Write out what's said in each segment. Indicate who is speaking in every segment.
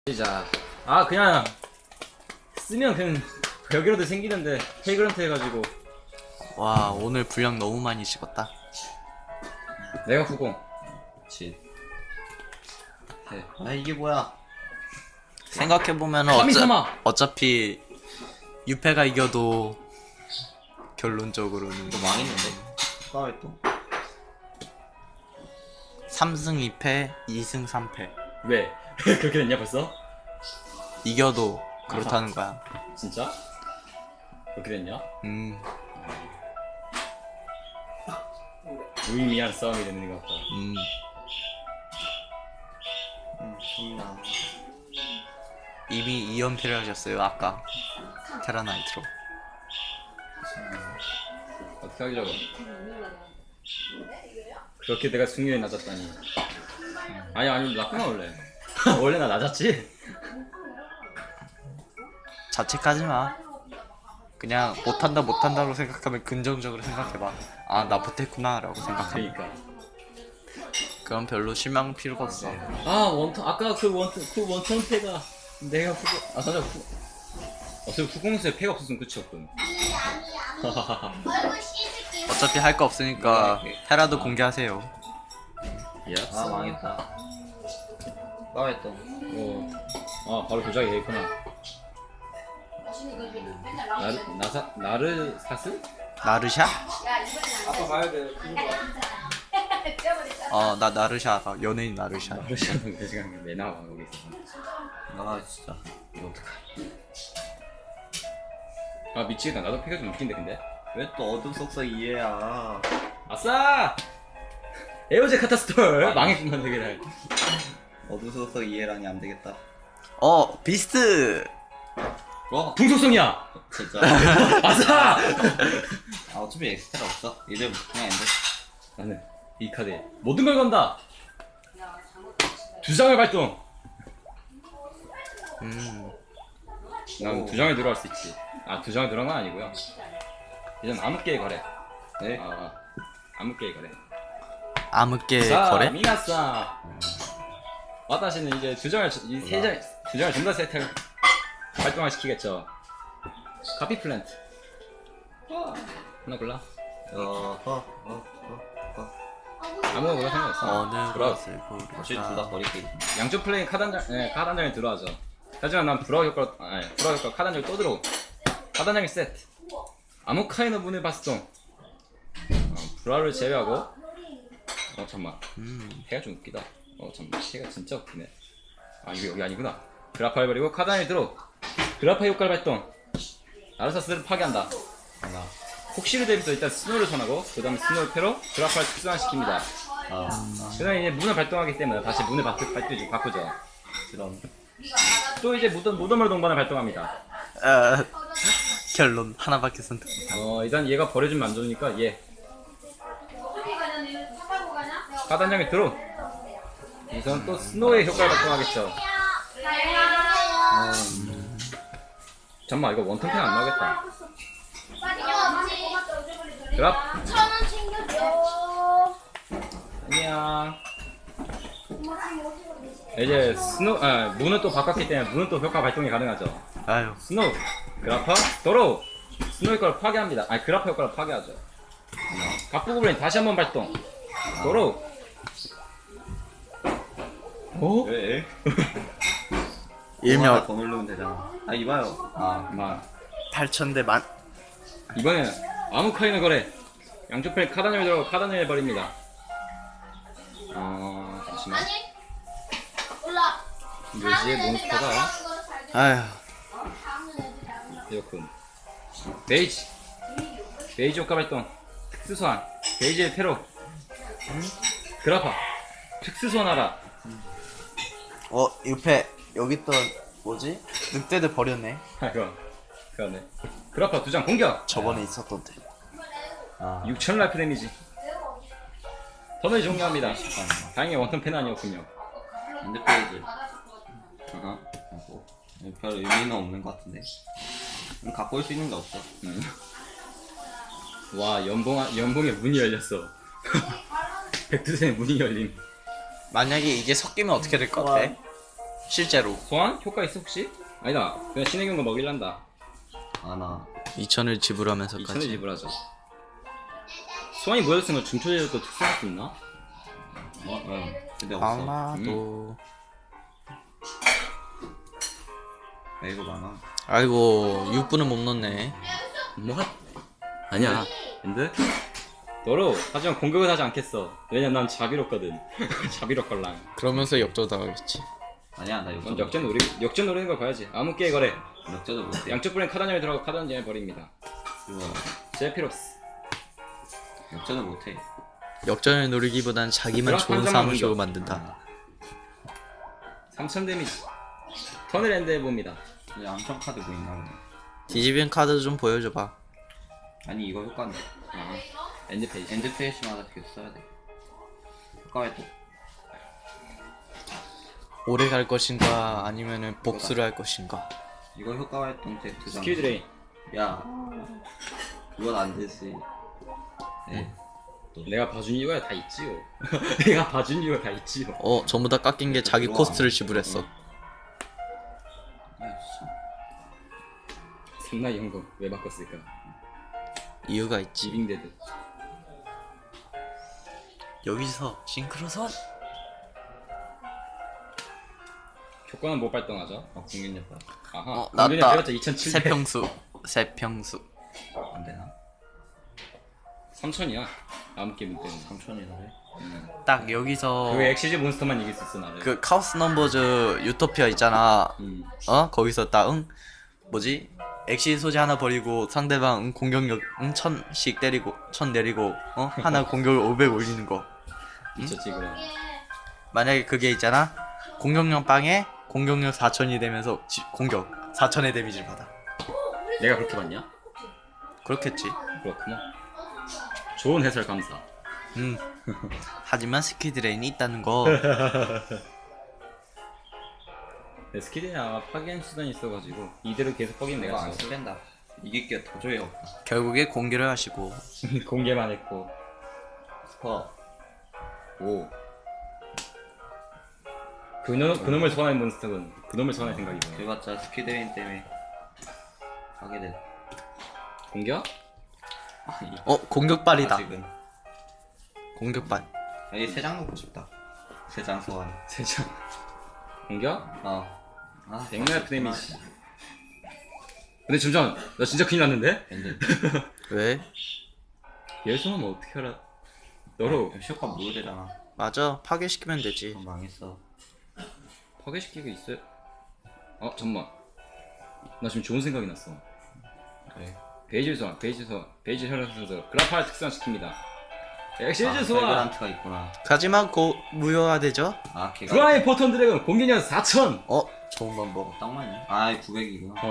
Speaker 1: 시작. 아 그냥 쓰면 그냥 벽이라도 생기는데 헤이그런트 해가지고.
Speaker 2: 와 오늘 분량 너무 많이 찍었다.
Speaker 1: 내가 후공.
Speaker 3: 그치. 아 이게 뭐야?
Speaker 2: 생각해보면
Speaker 1: 카미사마!
Speaker 2: 어차피 유패가 이겨도 결론적으로는
Speaker 3: 이거 망했는데? 나왜 또?
Speaker 2: 3승 2패 2승 3패
Speaker 1: 왜? 그렇게 됐냐 벌써?
Speaker 2: 이겨도 그렇다는 거야.
Speaker 1: 진짜? 그렇게 됐냐? 무의미한 싸움이 되는 것 같다.
Speaker 3: 좋나.
Speaker 2: 이미 2연패를 하셨어요 아까 테라나이트로.
Speaker 1: 어떻게 하기려고? 그렇게 내가 승률이 낮았다니. 아니 낮구나 원래. 원래 나 낮았지?
Speaker 2: 자책하지마. 그냥 못한다로 생각하면 긍정적으로 생각해봐. 아 나 못했구나 라고 생각하면
Speaker 1: 그러니까.
Speaker 2: 그럼 별로 실망 필요가 없어.
Speaker 1: 아 원턴 아까 그 원턴 패가 내가 후공. 아 맞아 후. 어차피 후공수에 패가 없었으면 끝이었군.
Speaker 2: 어차피 할 거 없으니까 테라도 공개하세요.
Speaker 3: 아 망했다. 나왜 또?
Speaker 1: 아 바로 조작이 되겠구나. 나르사스?
Speaker 2: 나르샤?
Speaker 1: 아빠 봐야 돼.
Speaker 2: 나 나르샤. 연예인 나르샤.
Speaker 1: 나르샤는 그 시간 왜 나와 거기 있어.
Speaker 3: 아 진짜 이거 어떡하지?
Speaker 1: 아 미치겠다. 나도 패가 좀 웃긴데 근데.
Speaker 3: 왜 또 어둠 속서 이해야?
Speaker 1: 아싸! 에어제 카타스톨 망했구만 되게.
Speaker 3: 어둠 속서 이해라니 안 되겠다.
Speaker 2: 비스트.
Speaker 3: 와
Speaker 1: 풍속성이야.
Speaker 3: 진짜.
Speaker 1: 아싸!
Speaker 3: 아 어차피 엑스트라 없어. 이제 그냥 엔드.
Speaker 1: 나는 이 카드에 모든 걸 건다. 두 장을 발동. 난 두 장에 들어갈 수 있지. 아 두 장에 들어간 건 아니고요. 이젠 암흑계의 거래.
Speaker 3: 네.
Speaker 1: 암흑계의 거래.
Speaker 2: 암흑계
Speaker 1: 자,
Speaker 2: 거래?
Speaker 1: 미나상. 와타시는 이제 두 장을 두 장을 전부 다 세트를 활동화시키겠죠. 카피 플랜트. 하나 골라. 아무거나 골라 상관없어.
Speaker 2: 어느
Speaker 1: 들어와.
Speaker 2: 것을
Speaker 3: 혹시 둘 다
Speaker 2: 고를까?
Speaker 3: 버릴게.
Speaker 1: 양쪽 플레이 카드 한 장이 들어가죠. 하지만 난 불화 효과 카드 한 장이 또 들어오. 카드 한 장이 세트. 아무카이노 문을 발동. 불화를 제외하고. 잠만. 해가 좀 웃기다. 잠만. 해가 진짜 웃기네. 아 이거 여기 아니구나. 그라파를 버리고 카드 한 장이 들어. 그라파 효과를 발동. 나르사스를 파괴한다. 하나. 혹시를 대비해서 일단 스노우를 선하고 그 다음에 스노우 패로 그라파를 특수화시킵니다. 그 다음에 이제 문을 발동하기 때문에 다시 문을 바꾸죠.
Speaker 3: 그럼
Speaker 1: 또 이제 무덤을 동반을 발동합니다.
Speaker 2: 결론 하나밖에 선택 못함.
Speaker 1: 일단 얘가 버려주면 안 좋으니까 얘 카드 한 장에 들어. 우선 또 스노우의 효과를 발동하겠죠. 잠깐만 이거 원턴 펜 안 나오겠다. 그랍
Speaker 4: 1,000원 챙겨줘.
Speaker 1: 안녕. 이제 문은 또 바꿨기 때문에 문은 또 효과 발동이 가능하죠.
Speaker 2: 아유
Speaker 1: 스노우 그라파 도로 스노우 효과를 파괴합니다. 아니 그라파 효과를 파괴하죠. 갑부고블린 다시 한번 발동. 도로. 오?
Speaker 3: 왜?
Speaker 2: 일명
Speaker 3: 더 누르면 되잖아. 아 이봐요.
Speaker 1: 만
Speaker 2: 8,000대 만.
Speaker 1: 이번에는 아무카이노 거래. 양쪽 펜 카단을 들어 카단을 버립니다. 잠시만.
Speaker 4: 올라.
Speaker 1: 묘지의 몬스터가
Speaker 2: 아휴
Speaker 1: 이렇군. 베이지 효과 발동. 특수소환 베이지의 패로. 그라파 특수소환하라.
Speaker 2: 유패 여기 있던 뭐지? 늑대들 버렸네.
Speaker 1: 그러네. 그라파 두 장 공격.
Speaker 2: 저번에 있었던데.
Speaker 1: 6000 라이프 데미지. 턴을 종료합니다. 다행히 원턴 펜 아니었군요.
Speaker 3: 엔드 페이지. 별 의미는 없는 것 같은데. 갖고 올 수 있는 게 없어.
Speaker 1: 와 연봉에 문이 열렸어. 백두산에 문이 열림.
Speaker 2: 만약에 이게 섞이면 어떻게 될 것 같아? 실제로
Speaker 1: 소환? 효과 있어 혹시? 아니다. 그냥 신의 경고 먹일란다.
Speaker 3: 아나
Speaker 2: 2천을
Speaker 1: 2천을
Speaker 2: 지불하면서까지.
Speaker 1: 지불하죠. 소환이 모였으면 중초제도 특수할 수 있나?
Speaker 3: 응. 근데 없어.
Speaker 2: 아마도.
Speaker 3: 야, 이거 많아.
Speaker 2: 아이고 6분은 못 넣네.
Speaker 1: 뭐? 아니야. 근데 너로 하지만 공격을 하지 않겠어. 왜냐면 난 자비롭거든. 자비롭걸랑.
Speaker 2: 그러면서 역전당하겠지.
Speaker 3: 아니야 나
Speaker 1: 넌
Speaker 3: 역전
Speaker 1: 역전 노리는 걸 봐야지. 아무 깨 거래.
Speaker 3: 역전도 못해.
Speaker 1: 양쪽 불엔 카단점에 들어가고 카단점에 버립니다.
Speaker 3: 이거
Speaker 1: 제피로스.
Speaker 3: 역전을 못해.
Speaker 2: 역전을 노리기보단 자기만
Speaker 1: 그럼
Speaker 2: 좋은
Speaker 1: 한
Speaker 2: 사무실로
Speaker 1: 장만
Speaker 2: 만든다.
Speaker 1: 3000 데미지. 턴을 엔드 해봅니다.
Speaker 3: 이 암청 카드 뭐 있나 보네.
Speaker 2: 뒤집힌 카드 좀 보여줘봐.
Speaker 3: 아니 이거 효과인데.
Speaker 1: 아, 엔드 페이지.
Speaker 3: 엔드 페이지마다 계속 써야 돼. 효과 활동.
Speaker 2: 오래 갈 것인가 아니면은 복수를 할 것인가.
Speaker 3: 이거 효과 활동 때 두 장.
Speaker 1: 스킬 드레인.
Speaker 3: 야 그건 안 되지. 네.
Speaker 1: 내가 봐준 이유가 다 있지요. 내가 봐준 이유가 다 있지요.
Speaker 2: 전부 다 깎인 게 자기 코스트를 지불했어.
Speaker 3: 야 진짜.
Speaker 1: 삼나이 현금 왜 바꿨을까?
Speaker 2: 이유가 있지.
Speaker 1: 지빙데드.
Speaker 2: 여기서 싱크로선.
Speaker 1: 효과는 못 발동하죠. 공격력과. 아하.
Speaker 2: 나왔다.
Speaker 1: 공격력 배웠자 2700.
Speaker 2: 세평수.
Speaker 3: 안 되나?
Speaker 1: 3000이야. 아무 게임 때문에.
Speaker 3: 3천이나
Speaker 2: 딱 여기서
Speaker 1: 그 엑시즈 몬스터만 이길 수 있어 나를.
Speaker 2: 그 카오스 넘버즈 유토피아 있잖아. 거기서 딱 뭐지? 엑시 소재 하나 버리고 상대방 공격력 1000씩 때리고 1000 내리고 하나 공격을 500 올리는 거.
Speaker 1: 미쳤지 그럼.
Speaker 2: 만약에 그게 있잖아. 공격력 빵에 공격력 4000이 되면서 공격 4000의 데미지를 받아.
Speaker 1: 내가 그렇게 봤냐?
Speaker 2: 그렇겠지.
Speaker 1: 그렇구나. 좋은 해설 감사.
Speaker 2: 하지만 스킬 드레인이 있다는 거.
Speaker 1: 내 스킬이 아마 파괴한 수단이 있어가지고 이대로 계속 파괴는
Speaker 3: 내가
Speaker 1: 내가
Speaker 3: 안
Speaker 1: 써.
Speaker 3: 쓰랜다. 이길 게 도저히 없다.
Speaker 2: 결국에 공개를 하시고.
Speaker 1: 공개만 했고.
Speaker 3: 스퍼.
Speaker 1: 오. 그놈을 소환할 몬스터군. 그놈을 소환할 생각이군.
Speaker 3: 그래봤자 스키드레인 때문에 하게 돼.
Speaker 1: 공격?
Speaker 2: 공격발이다.
Speaker 3: 아직은.
Speaker 2: 공격발.
Speaker 3: 여기 3장 놓고 싶다. 3장 소환.
Speaker 1: 세장. 공격? 백날 데미지. 근데 잠시만, 나 진짜 큰일 났는데?
Speaker 3: 엔드.
Speaker 2: 왜?
Speaker 1: 얘 소환하면 어떻게 알아? 너로
Speaker 3: 효과 무효되잖아.
Speaker 2: 맞아. 파괴시키면 되지.
Speaker 3: 망했어.
Speaker 1: 파괴시키고 있어요? 잠만. 나 지금 좋은 생각이 났어.
Speaker 3: 그래.
Speaker 1: 베이지 소환, 베이지 혈액 순서 그라파를 특수화시킵니다. 엑시즈 소환!
Speaker 3: 벨그란트가 있구나.
Speaker 2: 하지만 무효화되죠?
Speaker 3: 걔가
Speaker 1: 프라이 포턴 드래곤 공격력 4000!
Speaker 2: 좋은 방법.
Speaker 3: 딱 맞네. 900이구나.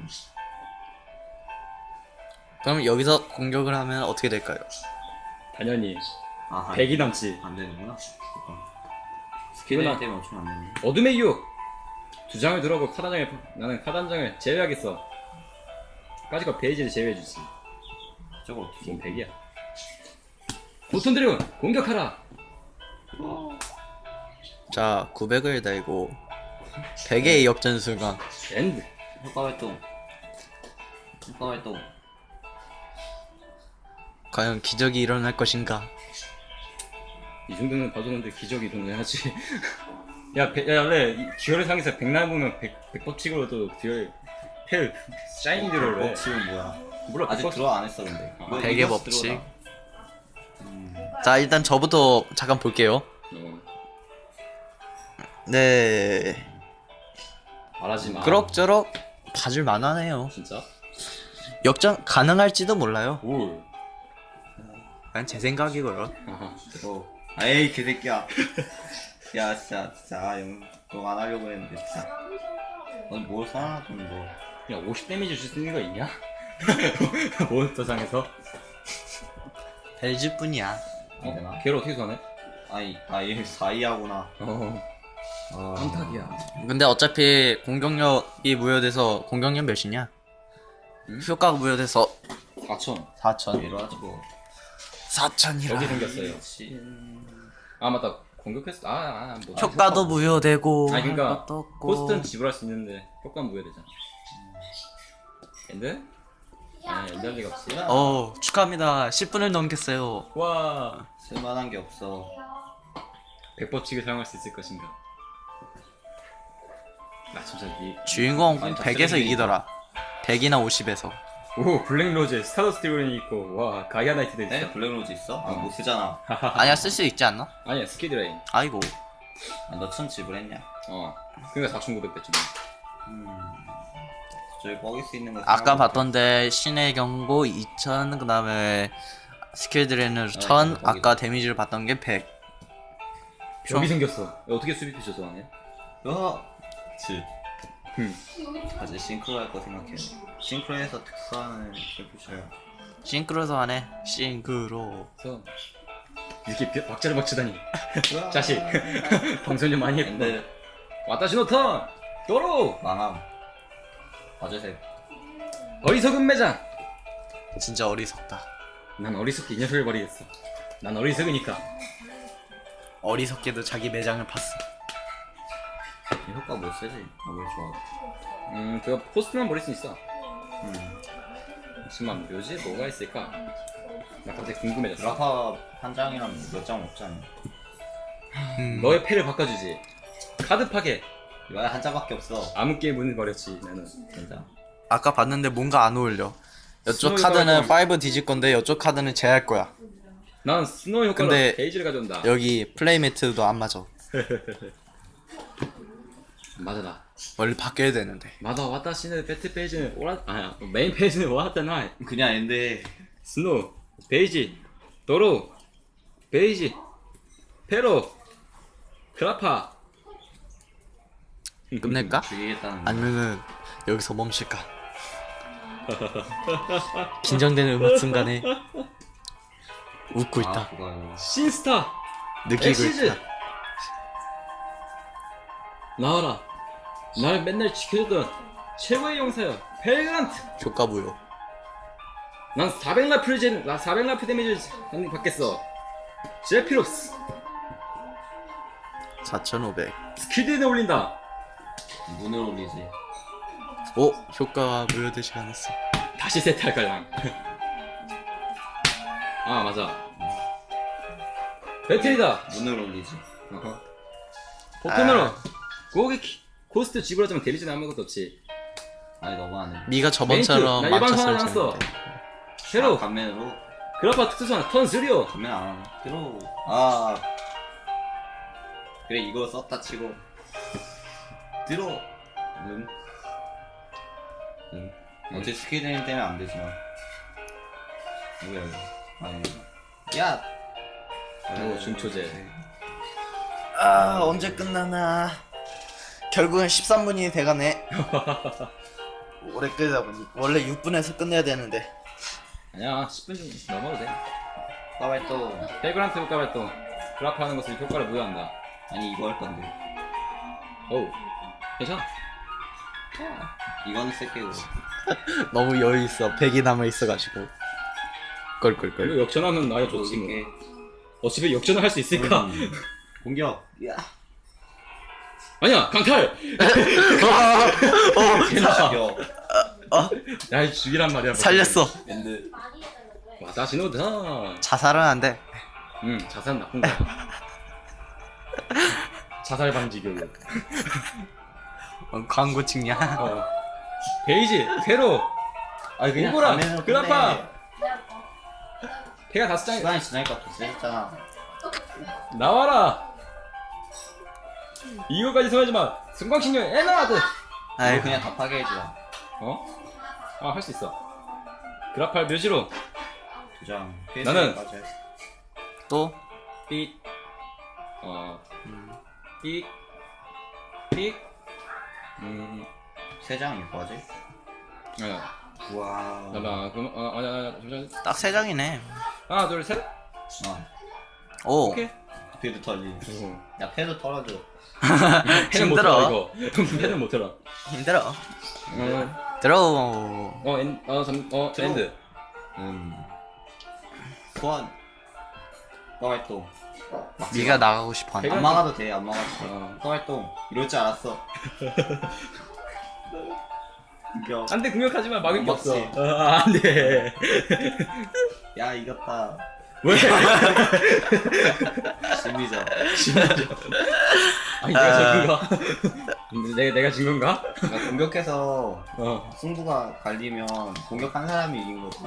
Speaker 2: 그럼 여기서 공격을 하면 어떻게 될까요?
Speaker 1: 당연히
Speaker 3: 아하.
Speaker 1: 100이 남지.
Speaker 3: 안 되는구나. 스키드레인 때문에 엄청 안 되네.
Speaker 1: 어둠의 유혹! 두 장을 들어오고 나는 카단장을 제외하겠어. 까지가 베이지를 제외해주지.
Speaker 3: 저거 어떻게
Speaker 1: 지금 100이야. 포턴 드래곤 공격하라!
Speaker 2: 자, 900을 달고 100의 역전 순간.
Speaker 1: 엔드!
Speaker 3: 효과 활동. 효과 활동.
Speaker 2: 과연 기적이 일어날 것인가?
Speaker 1: 이 정도는 봐줬는데 기적이 일어나야지. 야, 원래 듀얼의 상에서 백날 보면 백법칙으로도 듀얼 헬 샤이니 듀얼을 해.
Speaker 3: 법칙은 뭐야?
Speaker 1: 몰라,
Speaker 3: 아직
Speaker 1: 백법-
Speaker 3: 들어 안 했어 근데. 너
Speaker 2: 백의
Speaker 3: 이거
Speaker 2: 법칙.
Speaker 3: 들어오나?
Speaker 2: 자, 일단 저부터 잠깐 볼게요. 네.
Speaker 1: 말하지 마.
Speaker 2: 그럭저럭 봐줄 만하네요.
Speaker 1: 진짜?
Speaker 2: 역전 가능할지도 몰라요.
Speaker 1: 올.
Speaker 2: 그냥 제 생각이고요.
Speaker 1: 아하.
Speaker 3: 에이 개새끼야. 야 진짜 너 안 하려고 했는데 진짜. 넌뭘 사놨던 뭐.
Speaker 1: 야, 50 데미지 줄 수 있는 거 있냐? 몬스터상에서?
Speaker 2: 벨즈뿐이야.
Speaker 3: 안 되나?
Speaker 1: 걔를 어떻게 소환해?
Speaker 3: 얘 4이하구나.
Speaker 1: 깜짝이야.
Speaker 2: 근데 어차피 공격력이 무효돼서 공격력 몇이냐? 효과가 무효돼서
Speaker 1: 4000.
Speaker 2: 4000.
Speaker 3: 이러지 뭐.
Speaker 2: 4000이라.
Speaker 1: 여기 생겼어요. 아, 맞다. 공격했어. 뭐.
Speaker 2: 효과도 무효되고
Speaker 1: 아 그러니까
Speaker 2: 할 것도 없고.
Speaker 1: 코스트는 지불할 수 있는데 효과는 무효되잖아. 엔드? 아 엔드 할 리가 없지.
Speaker 2: 축하합니다. 10분을 넘겼어요.
Speaker 1: 와.
Speaker 3: 쓸만한 게 없어.
Speaker 1: 백법칙을 사용할 수 있을 것인가? 나 진짜
Speaker 2: 주인공
Speaker 3: 아니, 다
Speaker 2: 100에서
Speaker 3: 쓰레기
Speaker 2: 이기더라. 100이나 50에서.
Speaker 1: 오 블랙로즈 스타더스트 이론이 있고 와 가이아 나이트도 있어.
Speaker 3: 네? 블랙로즈 있어? 아, 못 쓰잖아.
Speaker 2: 아니야, 쓸 수 있지 않나?
Speaker 1: 아니야 스키드레인.
Speaker 2: 아이고.
Speaker 3: 아, 너1000 지불했냐?
Speaker 1: 그러니까 4,900 뺐지.
Speaker 3: 저기 먹일 수 있는 거.
Speaker 2: 아까
Speaker 3: 생각해볼게.
Speaker 2: 봤던데 신의 경고 2000, 그다음에 스킬 드레인을 1000,
Speaker 3: 거기다.
Speaker 2: 아까 데미지를 봤던 게 100.
Speaker 1: 여기 생겼어. 야, 어떻게 수비피셔 좋아하네?
Speaker 3: 지. 아직 싱크로 할 거 생각해. 싱크로에서 특수하는 슈퍼셔야.
Speaker 2: 싱크로서 하네. 싱크로.
Speaker 1: 그래서 이렇게 박자를 맞추다니. 자식. 방송 좀 많이 했구나.
Speaker 3: 근데
Speaker 1: 왔다 신호턴! 도로!
Speaker 3: 망함. 어제색.
Speaker 1: 어리석은 매장!
Speaker 2: 진짜 어리석다.
Speaker 1: 난 어리석게 이 녀석을 버리겠어. 난 어리석으니까.
Speaker 2: 어리석게도 자기 매장을 팠어.
Speaker 3: 이 효과 못 쓰지. 뭘 좋아.
Speaker 1: 그거 포스트만 버릴 수 있어. 잠시만 묘지 뭐가 있을까? 나 갑자기 궁금해졌어.
Speaker 3: 드라파 한 장이랑 몇 장 없잖아.
Speaker 1: 너의 패를 바꿔주지. 카드 파괴.
Speaker 3: 이거 한 장밖에 없어.
Speaker 1: 암흑기의 문을 버렸지 나는.
Speaker 3: 진짜.
Speaker 2: 아까 봤는데 뭔가 안 어울려. 이쪽
Speaker 1: 스노우
Speaker 2: 카드는
Speaker 1: 효과가
Speaker 2: 5 뒤질 건데 이쪽 카드는 제할 거야.
Speaker 1: 난 스노우 효과로
Speaker 2: 근데
Speaker 1: 베이지를 가져온다.
Speaker 2: 여기 플레이 매트도 안 맞아.
Speaker 1: 맞아다.
Speaker 2: 원래 바뀌어야 되는데.
Speaker 1: 맞아 와타시는 배트 페이지는 메인 페이지는 와타나이.
Speaker 3: 그냥 엔데.
Speaker 1: 스노우 베이지 도로 베이지 페로 크라파.
Speaker 2: 끝낼까?
Speaker 3: 죽이겠다는.
Speaker 2: 아니면은 여기서 멈출까? 긴장되는 음악 순간에 웃고 있다.
Speaker 3: 아, 그거요.
Speaker 1: 신스타
Speaker 2: 느끼고
Speaker 1: 엑시즈
Speaker 2: 있다.
Speaker 1: 나와라. 날 맨날 지켜줬던 최고의 용사여 벨그란트.
Speaker 2: 효과 무효.
Speaker 1: 난 400라프 데미지 받겠어. 제피롭스
Speaker 2: 4500.
Speaker 1: 스킬드에 올린다.
Speaker 3: 문을 올리지.
Speaker 2: 오! 효과가 무효되지 않았어.
Speaker 1: 다시 세트할까요? 아 맞아. 배틀이다.
Speaker 3: 문을 올리지.
Speaker 1: 보통으로 고객 코스트 지불하자면 데미지는 아무것도 없지.
Speaker 3: 아니 너무하네.
Speaker 2: 네가 저번처럼
Speaker 1: 나 일반
Speaker 2: 맞췄을
Speaker 1: 상황 나왔어.
Speaker 2: 텐데.
Speaker 1: 새로
Speaker 3: 감면으로.
Speaker 1: 그라파 특수소환 턴 3요.
Speaker 3: 감면 안 하네. 들어. 아. 그래 이거 썼다 치고. 들어. 어차피 스킬 데임 때문에 안 되지만. 뭐야 이거. 아니. 야.
Speaker 1: 오, 중초제.
Speaker 2: 아, 언제 끝나나. 결국은 13분이 돼가네. 오래 끌다 보니 원래 6분에서 끝내야 되는데.
Speaker 1: 아니야 10분 넘어도 돼.
Speaker 3: 까발또.
Speaker 1: 벨그란트 효과 발동. 그라파 하는 것을 효과를 무효한다.
Speaker 3: 아니 이거 할 건데.
Speaker 1: 어우 괜찮아.
Speaker 3: 이거는 쓸게 이거.
Speaker 2: 너무 여유 있어. 100이 남아 있어가지고. 껄껄껄.
Speaker 1: 이거 역전하면 나야 좋지 뭐.
Speaker 3: 이게.
Speaker 1: 어차피 역전을 할 수 있을까?
Speaker 3: 공격. 야.
Speaker 1: 아니야 강탈.
Speaker 3: 죽여.
Speaker 1: 야 죽이란 말이야.
Speaker 2: 살렸어.
Speaker 3: 엔드.
Speaker 1: 와다시 노다.
Speaker 2: 자살은 안 돼.
Speaker 1: 자살 나쁜 거야. 자살 방지 교육.
Speaker 2: 광고 찍냐?
Speaker 1: 베이지 페로
Speaker 3: 아니 그냥
Speaker 1: 오보라
Speaker 3: 가면으로
Speaker 1: 그라파
Speaker 3: 끝내.
Speaker 1: 배가 5장
Speaker 3: 시간이 지나니까 더 세졌잖아.
Speaker 1: 나와라. 이거까지 소화하지마. 승광신경 에너드.
Speaker 3: 이거
Speaker 2: 아이고.
Speaker 3: 그냥 다 파괴해주라.
Speaker 1: 할 수 있어. 그라팔 묘지로
Speaker 3: 2장.
Speaker 1: 나는-
Speaker 2: 또?
Speaker 1: 삑 삑 삑
Speaker 3: 3장 이거 하지?
Speaker 1: 아니야
Speaker 3: 우와.
Speaker 1: 잠깐만 그럼 아니야 잠시만.
Speaker 2: 딱 3장이네.
Speaker 1: 하나 둘 셋.
Speaker 2: 오.
Speaker 1: 오케이.
Speaker 3: 패드 털리. 야 패드 털어줘.
Speaker 1: 패는 못
Speaker 2: 힘들어.
Speaker 1: 들어 이거. 패는 못 들어.
Speaker 2: 힘들어. 들어.
Speaker 1: 엔드.
Speaker 3: 소환. 까발또.
Speaker 2: 네가 나가고 싶어 한다.
Speaker 3: 안 막아도 돼, 안 막아도 돼.
Speaker 1: 어.
Speaker 3: 활동 이럴 줄 알았어. 이겨.
Speaker 1: 안돼 공격하지 마 막을 게 없어.
Speaker 3: 맞지.
Speaker 1: 안돼.
Speaker 3: 야 이겼다.
Speaker 1: 왜?
Speaker 3: 심리전.
Speaker 1: 아니 내가 진 건가? 내가 진 건가?
Speaker 3: 그러니까 공격해서
Speaker 1: 어.
Speaker 3: 승부가 갈리면 공격한 사람이 이긴 거지.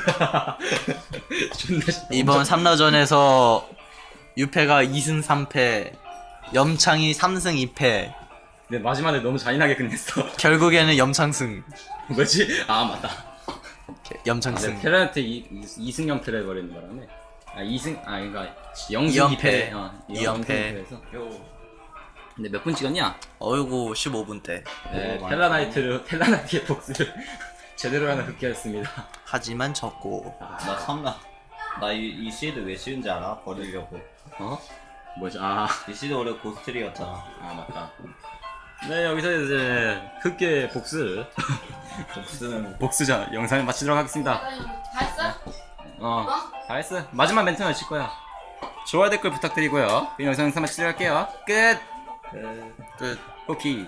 Speaker 1: 존나 싫다.
Speaker 2: 이번 3라전에서 유패가 2승 3패, 염창이 3승 2패.
Speaker 1: 근데 마지막에 너무 잔인하게 끝냈어.
Speaker 2: 결국에는 염창승.
Speaker 1: 뭐지? 아 맞다.
Speaker 2: 염창승.
Speaker 1: 테란한테 이승 연패를 해버리는 바람에 아 2승 아 그러니까 0승
Speaker 2: 이연패.
Speaker 1: 2패 어,
Speaker 2: 이연패.
Speaker 1: 2연패에서 근데 몇 분 찍었냐?
Speaker 2: 어이구 15분 때.
Speaker 1: 네,
Speaker 3: 오,
Speaker 1: 텔라나이트의 복수를 제대로 하나 극기했습니다.
Speaker 2: 하지만 졌고.
Speaker 3: 나 참나. 나이 시드 왜 씌운지 알아? 버리려고.
Speaker 1: 어? 뭐지? 아
Speaker 3: 이 시드 원래 고스트리였잖아.
Speaker 1: 맞다. 네 여기서 이제 흑계 복수
Speaker 3: 복수는
Speaker 1: 복수자 영상을 마치도록 하겠습니다.
Speaker 4: 다 했어?
Speaker 1: 다 했어. 마지막 멘트는 칠 거야. 좋아요 댓글 부탁드리고요. 이 영상 마치도록 할게요. 끝.
Speaker 2: 끝.
Speaker 1: 쿠키.